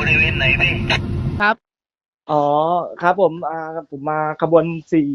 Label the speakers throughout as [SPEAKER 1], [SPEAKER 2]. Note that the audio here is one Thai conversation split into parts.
[SPEAKER 1] บริเวณไหนพี่
[SPEAKER 2] ครับ
[SPEAKER 3] อ๋อครับผมผมมาขบวน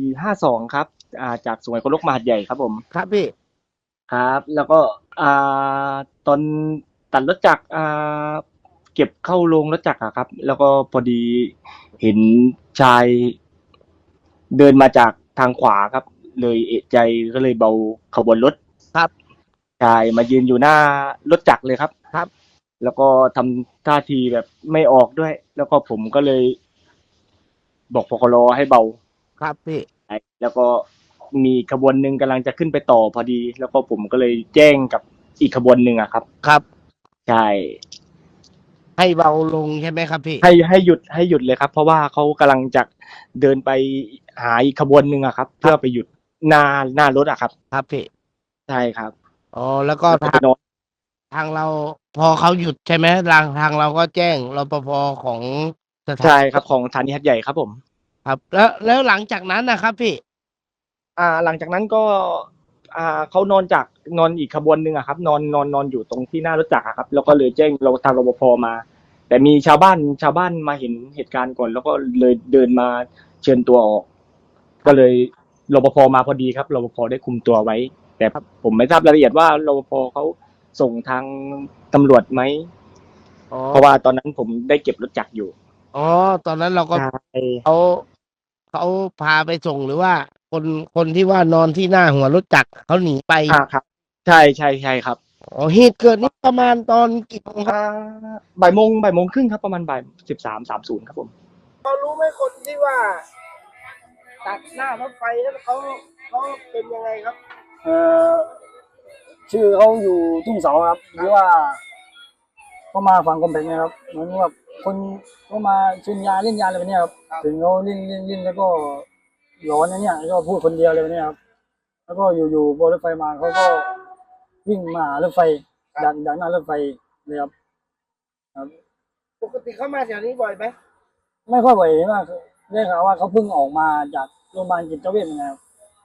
[SPEAKER 3] 452ครับจากสุไหงโกลกมาหาดใหญ่ครับผม
[SPEAKER 2] ครับพี่
[SPEAKER 3] ครับแล้วก็อ่ตอนตัดรถจักรเก็บเข้าโรงรถจักรอะครับแล้วก็พอดีเห็นชายเดินมาจากทางขวาครับเลยเอะใจก็เลยเบาขบวนรถ
[SPEAKER 2] ครับ
[SPEAKER 3] ชายมายืนอยู่หน้ารถจักรเลยครับ
[SPEAKER 2] ครับ
[SPEAKER 3] แล้วก็ทำท่าทีแบบไม่ออกด้วยแล้วก็ผมก็เลยบอกพคลให้เบา
[SPEAKER 2] ครับพี่
[SPEAKER 3] แล้วก็มีขบวนหนึ่งกำลังจะขึ้นไปต่อพอดีแล้วก็ผมก็เลยแจ้งกับอีกขบวนหนึ่งอะครับ
[SPEAKER 2] ครับ
[SPEAKER 3] ใช่
[SPEAKER 2] ให้เบาลงใช่ไหมครับพี่
[SPEAKER 3] ให้หยุดเลยครับเพราะว่าเขากำลังจะเดินไปหาอีกขบวนหนึ่งอะครับ
[SPEAKER 2] ครับ
[SPEAKER 3] เพื่อไปหยุดหน้ารถอะครับ
[SPEAKER 2] ครับพี่
[SPEAKER 3] ใช่ครับ
[SPEAKER 2] อ๋อแล้วก็
[SPEAKER 3] แล้วก็ไปนอน
[SPEAKER 2] ทางเราพอเขาหยุดใช่ไหมทางเราก็แจ้งรปภของสถาน
[SPEAKER 3] ใช่ครับของสถานีหาดใหญ่ครับผม
[SPEAKER 2] ครับแล้วหลังจากนั้นนะครับพี่
[SPEAKER 3] หลังจากนั้นก็เขานอนอีกขบวนหนึ่งอะครับนอนอยู่ตรงที่หน้ารถจักรอะครับแล้วก็เลยแจ้งเราทางรปภมาแต่มีชาวบ้านมาเห็นเหตุการณ์ก่อนแล้วก็เลยเดินมาเชิญตัวออกก็เลยรปภมาพอดีครับรปภได้คุมตัวไว้แต่ผมไม่ทราบรายละเอียดว่ารปภเขาส่งทางตำรวจไหม
[SPEAKER 2] อ๋อ
[SPEAKER 3] เพราะว่าตอนนั้นผมได้เก็บรถจักรอยู่
[SPEAKER 2] อ๋อตอนนั้นเราก็
[SPEAKER 3] ใช่
[SPEAKER 2] เขาเขาพาไปส่งหรือว่าคนคนที่ว่านอนที่หน้าหัวรถจักรเขาหนีไป
[SPEAKER 3] ครับใช่ครับ
[SPEAKER 2] อ๋อเหตุเกิดนี้ประมาณตอนกี่โมงครับ
[SPEAKER 3] บ่ายโมงครึ่งครับประมาณบ่าย13:30ครับผม
[SPEAKER 4] เขารู้ไหมคนที่ว่าตัดหน้ารถไฟแล้วเขาเป็นยังไงครับ
[SPEAKER 5] เอ่อชื่อเขาอยู่ทุ่งเสาครับหรือว่าเขามาฝั่งกำแพงนะครับเหมือนว่าคนเขามาชิมยาเล่นยาอะไรแบบเนี้ยครับถึงเขาเล่นแล้วก็หลอนอย่างเนี้ยแล้วก็พูดคนเดียวอะไรแบบเนี้ยครับแล้วก็อยู่ๆพอรถไฟมาเขาก็วิ่งมาหารถไฟดักหน้ารถไฟเลยครับครับ
[SPEAKER 4] ปกติเขามาแถวนี้บ่อยไหม
[SPEAKER 5] ไม่ค่อยบ่อยมากได้ข่าวว่าเขาเพิ่งออกมาจากโรงพยาบาลจิตเวชนะครับ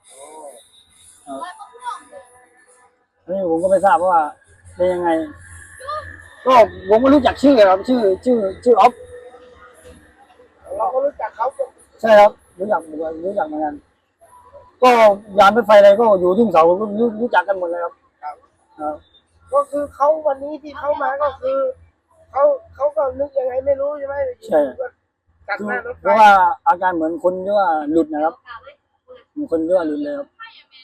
[SPEAKER 5] อันนี้ผมก็ไม่ทราบว่าเป็นยังไง ก็ผมไม่รู้จักชื่อครับชื่อออฟ
[SPEAKER 4] เราก็รู้จักเขา
[SPEAKER 5] ใช่ครับรู้จักเหมือนกันก็ยานรถไฟอะไรก็อยู่ทุ่งเสารู้จักกันหมดเลยครับครับ
[SPEAKER 4] ก็คือเขาวันนี้ที่เขามาก็คือเขาก็นึกยังไงไม่รู้ใช่ไหม
[SPEAKER 5] ใช่
[SPEAKER 4] ตัดหน้ารถไฟ
[SPEAKER 5] เพราะว่าอาการเหมือนคนที่ว่าหลุดนะครับเหมือนคนที่ว่าหลุดเลยครับ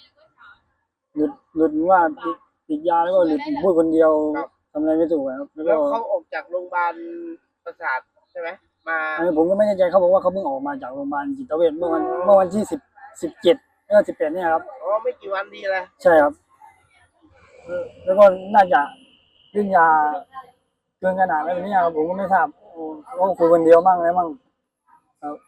[SPEAKER 5] หลุดว่าติดยาแล้วก็หลุดพูดคนเดียวทำอะไรไม่ถูกครับแล้วก็
[SPEAKER 4] แล้วเขาออกจากโรงพยาบาลประสาทใช่ไหมมา
[SPEAKER 5] อันนี้ผมก็ไม่แน่ใจเขาบอกว่าเขาเพิ่งออกมาจากโรงพยาบาลจิตเวชเมื่อวันที่17แล้วก็18เนี่ยครับ
[SPEAKER 4] อ๋อไม่กี่วันดีเลย
[SPEAKER 5] ใช่ครับแล้วก็น่าจะเรื่องยาเกินขนาดอะไรแบบนี้ครับผมก็ไม่ทราบเขาคุยคนเดียวมั่งอะไรมั่งครับ